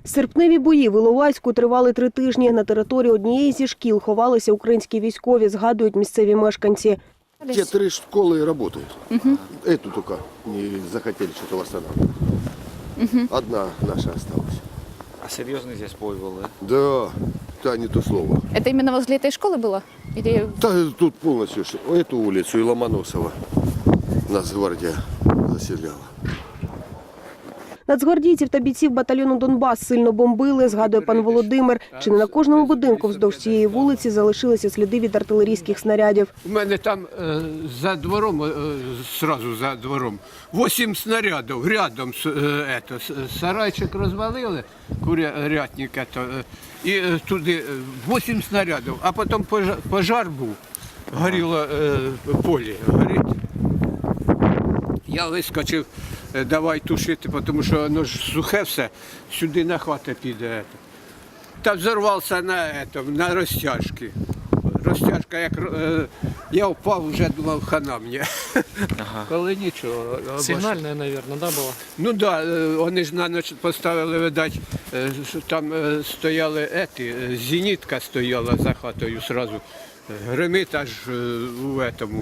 Серпневі бої в Іловайську тривали 3 тижні. На території однієї зі шкіл ховалися українські військові, згадують місцеві мешканці. Те 3 школы работают. Эту только не захотели что-то восстанавливать. Одна наша осталась. А серьезный здесь бой был, да? Да, да, не то слово. Это именно возле этой школы было? Или... Да, тут полностью эту улицу и Ломоносова Нацгвардия заселяла. Нацгвардійців та бійців батальйону «Донбас» сильно бомбили, згадує пан Володимир. Чи не на кожному будинку вздовж цієї вулиці залишилися сліди від артилерійських снарядів. У мене там за двором, сразу за двором, 8 снарядів рядом, сарайчик розвалили, курятник, і туди 8 снарядів, а потім пожар був, горіло поле, горить. Я вискочив, давай тушити, тому що воно ж сухе все, сюди на хвата піде. Та взорвався на розтяжці. Розтяжка, як я впав, вже думав, хана мені. Коли нічого. Сигнальная, наверное, да, была? Ну так, вони ж на ніч поставили, видать, там стояли, зенітка стояла за хатою одразу. Гримить аж у этому.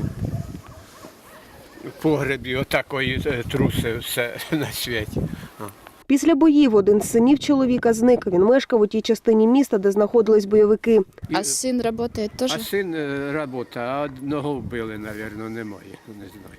В погребі отакої труси все на світі. Після боїв один з синів чоловіка зник. Він мешкав у тій частині міста, де знаходились бойовики. А сын работает тоже? А син працює, а одного вбили, мабуть, немає, не знаю.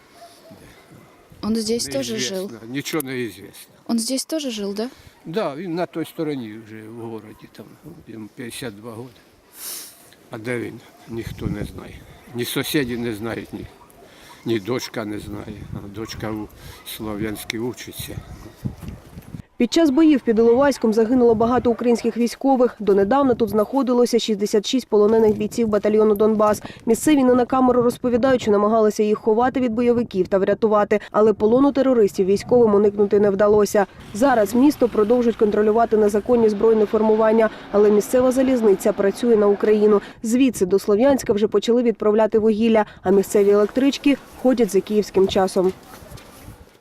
Он здесь тоже Неізвісно, жил? нічого не звісно. Он здесь тоже жил, да? Так, він на той стороні вже в місті, там йому 52 роки. А де він? Ніхто не знає. Ні сусіди не знають, ні дочка не знає. Дочка у Слов'янській учиться. Під час боїв під Іловайськом загинуло багато українських військових. Донедавна тут знаходилося 66 полонених бійців батальйону «Донбас». Місцеві не на камеру розповідають, що намагалися їх ховати від бойовиків та врятувати. Але полону терористів військовим уникнути не вдалося. Зараз місто продовжують контролювати незаконні збройні формування. Але місцева залізниця працює на Україну. Звідси до Слов'янська вже почали відправляти вугілля, а місцеві електрички ходять за київським часом.